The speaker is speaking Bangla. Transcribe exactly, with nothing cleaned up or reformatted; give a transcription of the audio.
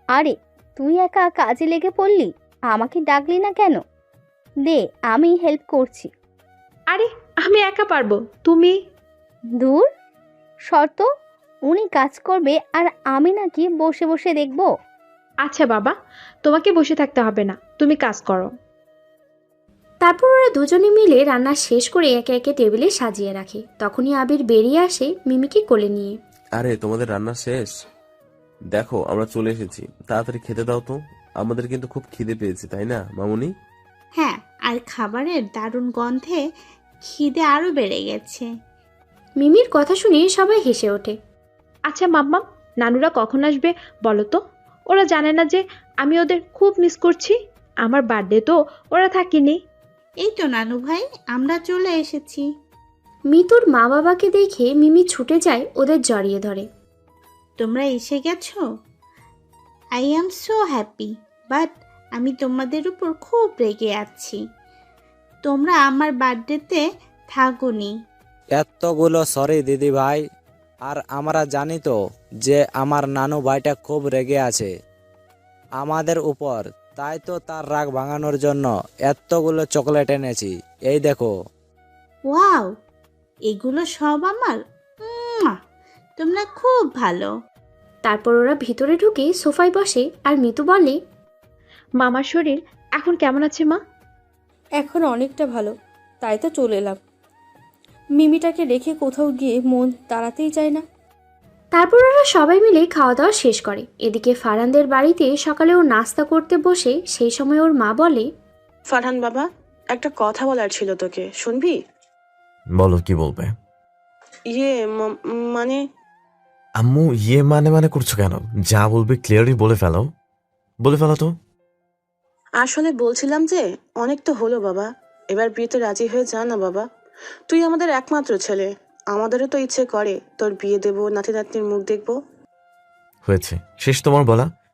আরে তুই একা কাজে লেগে পড়লি, আমাকে ডাকলি না কেন? দে, আমি হেল্প করছি। আরে আমি একা পারবো, তুমি। দূর, শর্ত, উনি কাজ করবে আর আমি নাকি বসে বসে দেখব? আচ্ছা বাবা, তোমাকে বসে থাকতে হবে না, তুমি কাজ করো। তারপর ওরা দুজনে মিলে রান্না শেষ করে একে একে টেবিলে সাজিয়ে রাখে। তখনই আবির বেরিয়ে আসে মিমিকে কোলে নিয়ে। আরে তোমাদের রান্না শেষ? দেখো আমরা চলে এসেছি, তাড়াতাড়ি খেতে দাও তো, আমাদের কিন্তু খুব খিদে পেয়েছে, তাই না মামুনি? হ্যাঁ, আর খাবারের দারুণ গন্ধে খিদে আরো বেড়ে গেছে। মিমির কথা শুনে সবাই হেসে ওঠে। আচ্ছা মাম্মাম, নানুরা কখন আসবে বলো তো? ওরা জানে না যে আমি ওদের খুব মিস করছি? আমার বার্থডে তো ওরা থাকেনি। এই তো নানু ভাই, আমরা চলে এসেছি। মিতুর মা বাবাকে দেখে মিমি ছুটে যায় ওদের জড়িয়ে ধরে। তোমরা এসে গেছো, I am so happy, but আমি তোমাদের উপর খুব রেগে আছি। তোমরা আমার বার্থডেতে থাকোনি। এতগুলো সরি দিদি ভাই, আর আমরা জানি তো যে আমার নানু ভাইটা খুব রেগে আছে আমাদের উপর, তাই তো তার রাগ ভাঙানোর জন্য এতগুলো চকলেট এনেছি, এই দেখো। ওয়াও, এগুলো সব আমার। উম্মুয়া, তোমরা খুব ভালো। তারপর ওরা ভিতরে ঢুকে সোফায় বসে আর মিতু বলে, মামার শরীর এখন কেমন আছে মা? এখন অনেকটা ভালো, তাই তো চলে এলাম। মিমিটাকে রেখে কোথাও গিয়ে মন দাঁড়াতেই চায় না। তারপর ওরা সবাই মিলে খাওয়া দাওয়া শেষ করে। এদিকে ফারহানদের বাড়িতে সকালে ও নাস্তা করতে বসে সেই সময় ওর মা বলে, ফারহান বাবা, একটা কথা বলার ছিল তোকে, শুনবি? বলো, কি বলবে? ইয়ে ম- মানে আম্মু ইয়ে মানে মানে করছো কেন? যা বলবে ক্লিয়ারলি বলে ফেলো, বলে ফেলো তো। আসলে বলছিলাম যে অনেক তো হলো বাবা, এবার বিয়েতে রাজি হয়ে যা না বাবা। তুই আমাদের একমাত্র ছেলে, আমাদেরও তো ইচ্ছে করে তোর বিয়ে দেবো, নাতি নাতনির মুখ দেখবো। হয়েছে, শেষ তোমার বলা।